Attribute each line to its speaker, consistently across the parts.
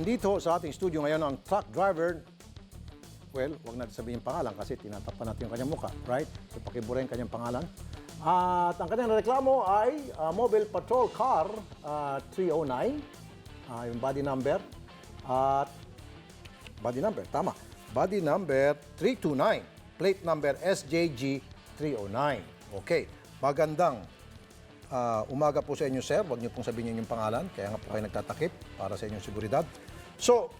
Speaker 1: Andito sa ating studio ngayon ang truck driver. Well, wag natin sabihin yung pangalan kasi tinatapan natin yung kanyang mukha, right? So pakibura yung kanyang pangalan. At ang kanyang reklamo ay Mobile Patrol Car 309, yung body number. At body number, tama. Body number 329, plate number SJG 309. Okay, magandang umaga po sa inyo, sir. Huwag niyo pong sabihin yung pangalan, kaya nga po kayo nagtatakip para sa inyong seguridad. So,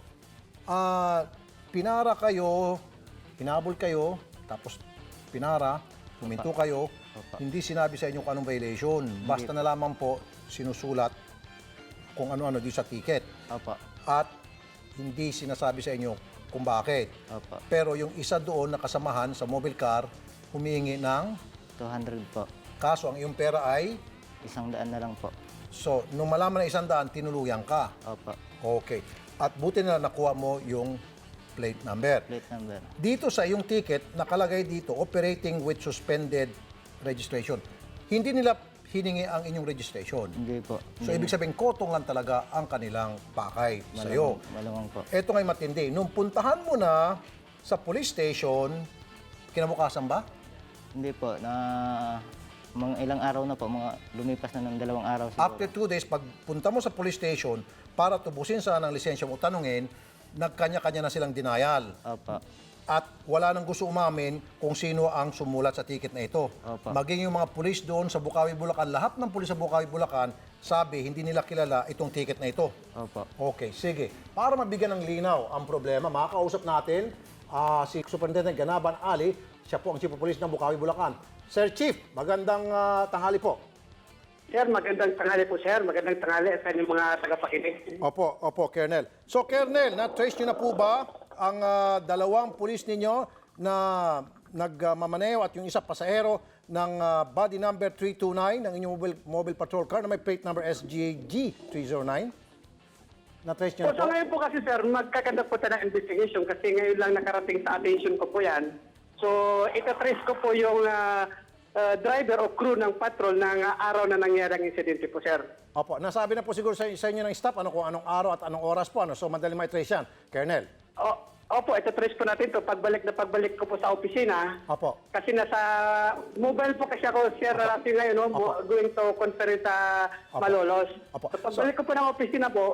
Speaker 1: pinara kayo, hinabol kayo, tapos pinara, huminto kayo, hindi sinabi sa inyo kung anong violation. Basta na lamang po sinusulat kung ano-ano di sa ticket.
Speaker 2: Opo.
Speaker 1: At hindi sinasabi sa inyo kung bakit.
Speaker 2: Opo.
Speaker 1: Pero yung isa doon na kasamahan sa mobile car, humihingi ng
Speaker 2: 200 po.
Speaker 1: kaso ang iyong pera ay,
Speaker 2: 100 na lang po.
Speaker 1: so, nung malaman na 100, tinuluyan ka.
Speaker 2: Opo.
Speaker 1: Okay. At buti na nakuha mo yung plate number.
Speaker 2: Plate number.
Speaker 1: Dito sa iyong ticket, nakalagay dito, operating with suspended registration. Hindi nila hiningi ang inyong registration.
Speaker 2: Hindi po.
Speaker 1: So, ibig sabihin, kotong lang talaga ang kanilang pakay sa iyo.
Speaker 2: Malamang po.
Speaker 1: Ito nga'y matindi. Nung puntahan mo na sa police station, kinabukasan ba?
Speaker 2: Hindi po. Mga ilang araw na po. Mga lumipas na ng 2 araw siguro.
Speaker 1: After 2 days, pagpunta mo sa police station, para tubusin sana ng lisensya mo, tanungin, nagkanya-kanya na silang denial.
Speaker 2: Opo.
Speaker 1: At wala nang gusto umamin kung sino ang sumulat sa ticket na ito.
Speaker 2: Opo.
Speaker 1: Maging yung mga pulis doon sa Bukawi, Bulacan, lahat ng pulis sa Bukawi, Bulacan, sabi, hindi nila kilala itong ticket na ito.
Speaker 2: Opo.
Speaker 1: Okay, sige. Para mabigyan ng linaw ang problema, makakausap natin si Superintendent Ganaban Ali, siya po ang Chief of Police ng Bukawi, Bulacan. Sir Chief, magandang tanghali po.
Speaker 3: Sir, magandang tanghali po, sir. Magandang tanghali sa inyong mga tagapakinig.
Speaker 1: Opo, Colonel. So, Colonel, na-trace nyo na po ba ang dalawang pulis ninyo na nagmamaneo at yung isa pasahero ng body number 329 ng inyong mobile patrol car na may plate number SGG 309? Na-trace nyo na
Speaker 3: So
Speaker 1: po?
Speaker 3: ngayon po kasi, sir, magkakandak po tayo ng investigation kasi ngayon lang nakarating sa attention ko po yan. So, itatrace ko po yung driver o crew ng patrol ng araw na nangyari ang insidente po, sir.
Speaker 1: Opo, nasabi na po siguro sa inyo ng staff kung anong araw at anong oras po. So, madali ma-trace yan. Colonel.
Speaker 3: Opo, itatrace po natin to pagbalik ko po sa opisina.
Speaker 1: Opo.
Speaker 3: Kasi nasa mobile po kasi ako, sir, natin ngayon, no, going to conference sa Malolos.
Speaker 1: Opo.
Speaker 3: So, pagbalik ko po ng opisina po,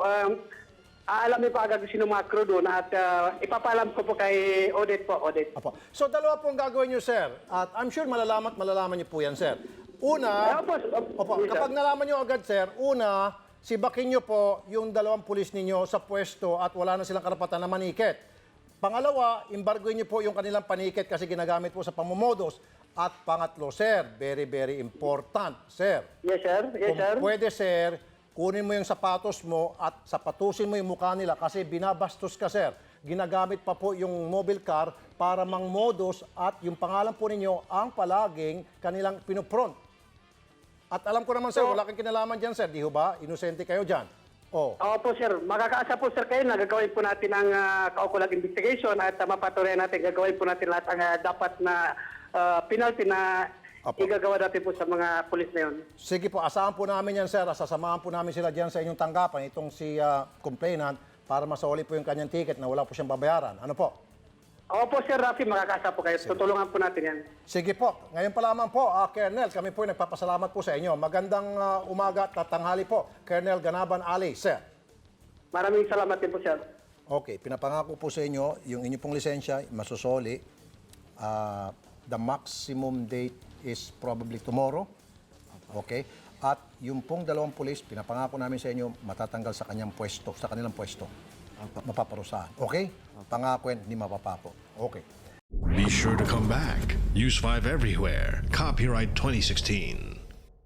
Speaker 3: aalamin po agad sino mga crew doon at ipapaalam ko po kay Odette po, Odette.
Speaker 1: Opo. So, dalawa pong gagawin nyo, sir. At I'm sure malalaman niyo po yan, sir. Una, opo,
Speaker 3: yes, sir.
Speaker 1: kapag nalaman nyo agad, sir, una, sibakin nyo po yung dalawang pulis ninyo sa pwesto at wala na silang karapatan na maniket. Pangalawa, embargoin nyo po yung kanilang paniket kasi ginagamit po sa pamumumodos. At pangatlo, sir, very, very important, sir.
Speaker 3: Yes, sir. Yes,
Speaker 1: Kung
Speaker 3: sir.
Speaker 1: pwede, sir, kunin mo yung sapatos mo at sapatusin mo yung mukha nila kasi binabastos ka, sir. Ginagamit pa po yung mobile car para mangmodos at yung pangalan po ninyo ang palaging kanilang pinupront. At alam ko naman, sir, wala kang kinalaman dyan, sir. Di ho ba? Inosente kayo dyan. Oh.
Speaker 3: Opo, sir. Makakaasa po, sir, kayo na gagawin po natin ang kaukulang investigation at mapatuloy natin, gagawin po natin lahat ang dapat na penalty na
Speaker 1: Opo.
Speaker 3: igagawa natin po sa mga pulis na yun.
Speaker 1: Sige po, asahan po namin yan, sir. Sasamahan po namin sila dyan sa inyong tanggapan, itong si complainant, para masoli po yung kanyang ticket na wala po siyang babayaran. Ano po?
Speaker 3: Opo, sir Rafi, makakaasa po kayo. Tutulungan po natin yan.
Speaker 1: Sige po. Ngayon pa lamang po, Colonel, kami po ay nagpapasalamat po sa inyo. Magandang umaga at tanghali po, Colonel Ganaban Ali, sir.
Speaker 3: Maraming salamat din po, sir.
Speaker 1: Okay, pinapangako po sa inyo, yung inyo pong lisensya, masusoli. The maximum date is probably tomorrow. Okay? At yung pong dalawang pulis, pinapangako namin sa inyo, matatanggal sa kanyang pwesto, sa kanilang pwesto. Mapaparusahan. Okay? Pangako yan, hindi mapapako. Okay.
Speaker 4: Be sure to come back. Use 5 everywhere. Copyright 2016.